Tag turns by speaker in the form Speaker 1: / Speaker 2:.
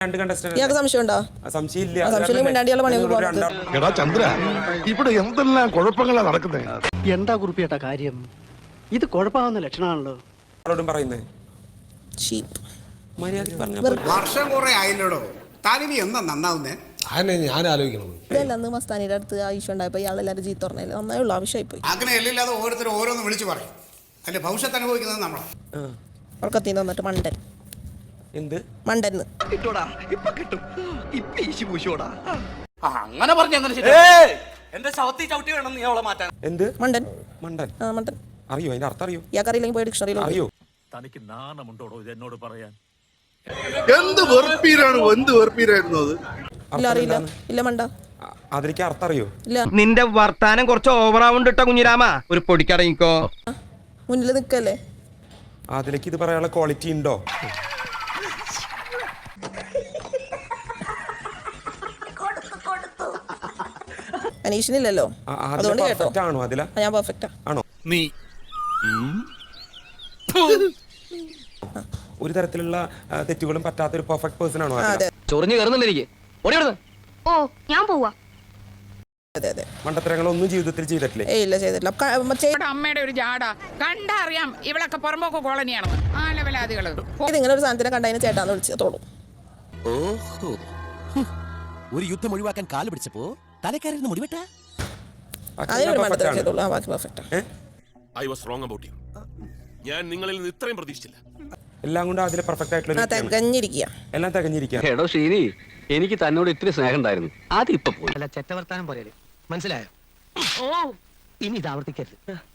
Speaker 1: രണ്ട് കണ്ടസ്റ്റന്റ്
Speaker 2: ഇയാൾക്ക് സംശയമുണ്ടോ?
Speaker 1: സംശയമില്ല.
Speaker 2: സംശയം മിണ്ടാണ്ടിയുള്ള പണി
Speaker 3: എടാ ചന്ദ്ര, ഇവിടെ എന്തെല്ലാം കുഴപ്പങ്ങളാ നടക്കുന്നത്.
Speaker 4: എന്താ കുറിപ്പിയേട്ടാ കാര്യം? ഇത് കുഴപ്പമാവുന്ന ലക്ഷണമാണല്ലോ.
Speaker 1: ആളോടും പറയുന്നത് മര്യാദയ്ക്ക് പറഞ്ഞാൽ
Speaker 5: വർഷം കുറെ ആയില്ലോടോ, താനിനി എന്താ നന്നാവുന്നേ?
Speaker 6: ഞാൻ ആലോചിക്കണം.
Speaker 2: ഇതല്ല മസ്താനിയുടെ അടുത്ത് ആവശ്യം ഉണ്ടായപ്പോ ഇയാളെല്ലാരും ചീത്ത പറഞ്ഞില്ല, നന്നായുള്ള ആവശ്യമായി പോയി.
Speaker 5: അങ്ങനെ എല്ലില്ലാതെ ഓരോരുത്തരും ഓരോന്ന് വിളിച്ചു പറയും. അതിന്റെ ഭവിഷ്യത്ത് അനുഭവിക്കുന്നത് നമ്മളാ.
Speaker 2: ഉറക്കത്തിന് തന്നിട്ട് മണ്ടൻ
Speaker 1: എന്ത്
Speaker 2: മണ്ടന്ന്
Speaker 7: അങ്ങനെ പറഞ്ഞു എന്റെ ശവത്തി ചവിട്ടി വേണം നീ അവളെ മാറ്റാൻ.
Speaker 1: എന്ത്
Speaker 2: മണ്ടൻ
Speaker 1: മണ്ടൻ?
Speaker 2: മണ്ടൻ
Speaker 1: അറിയോ അതിന്റെ അർത്ഥം? അറിയോ?
Speaker 2: ഇയാൾക്കറിയില്ലെങ്കിൽ പോയി ഡിക്ഷണറിയിലോ.
Speaker 1: അറിയോ?
Speaker 8: തനിക്ക് നാണമുണ്ടോടോ ഇത് എന്നോട് പറയാൻ?
Speaker 3: എന്ത് വെറുപ്പീരാണ്, എന്ത് വെറുപ്പീരായിരുന്നു അത്.
Speaker 2: ഇല്ല അറിയില്ല. ഇല്ല മണ്ട.
Speaker 1: അതിലേക്ക് അർത്ഥം അറിയോ?
Speaker 2: ഇല്ല.
Speaker 9: നിന്റെ വർത്താനം കുറച്ച് ഓവറാവുണ്ട് കേട്ടോ കുഞ്ഞിരാമ. ഒരു പൊടിക്കടങ്ങിക്കോ.
Speaker 2: മുന്നിൽ നിൽക്കല്ലേ.
Speaker 1: അതിലേക്ക് ഇത് പറയാനുള്ള ക്വാളിറ്റി ഉണ്ടോ?
Speaker 2: അനീഷിനില്ലല്ലോ, അതുകൊണ്ട് കേട്ടോ.
Speaker 1: ആണോ അതില?
Speaker 2: ഞാൻ പെർഫെക്റ്റാ.
Speaker 1: ആണോ?
Speaker 6: നീ
Speaker 1: ഒരു തരത്തിലുള്ള തെറ്റുകളും പറ്റാത്ത ഒരു പെർഫെക്റ്റ് പേഴ്സൺ ആണോ?
Speaker 2: അതെ
Speaker 7: ചൊറിഞ്ഞു കയറുന്നില്ല എനിക്ക്.
Speaker 10: ഓ ഞാൻ പോവാ.
Speaker 2: അതെ അതെ.
Speaker 1: മണ്ടത്തരങ്ങളൊന്നും ജീവിതത്തിൽ ചെയ്തിട്ടില്ലേ?
Speaker 2: ഇല്ല ചെയ്തിട്ടില്ല.
Speaker 11: അമ്മയുടെ ഒരു ജാട കണ്ടറിയാം ഇവളൊക്കെ പുറമ്പോക്ക് കോളനിയാണെന്ന്. ആ ലെവലാദികള്
Speaker 2: ഇങ്ങനെ ഒരു സാധനത്തിനെ കണ്ടതിന് ചേട്ടാന്ന് വിളിച്ചോളൂ.
Speaker 6: ഓഹോ, ഒരു യുദ്ധം ഒഴിവാക്കാൻ കാല് പിടിച്ചപ്പോ തലക്കാരിന്ന് മുടിവെട്ട.
Speaker 2: അതിനൊരു മണ്ടത്തരം ചെയ്തോളൂ. ബാക്കി പെർഫെക്റ്റാ.
Speaker 8: I was wrong about you. ഞാൻ നിങ്ങളിൽ നിന്ന് ഇത്രയും പ്രതീക്ഷിച്ചില്ല.
Speaker 1: എല്ലാം കൊണ്ട് അതിൽ പെർഫെക്റ്റ് ആയിട്ടുള്ള
Speaker 2: തികഞ്ഞിരിക്കുക.
Speaker 1: എല്ലാം തികഞ്ഞിരിക്കുക.
Speaker 7: എടോ ശ്രീനി, എനിക്ക് തന്നോട് ഇത്തിരി സ്നേഹം ഉണ്ടായിരുന്നു, അത് ഇപ്പൊ പോയി.
Speaker 4: അല്ല ചെറ്റവർത്താനം പോലെ മനസ്സിലായോ? ഇനി ഇത് ആവർത്തിക്കരുത്.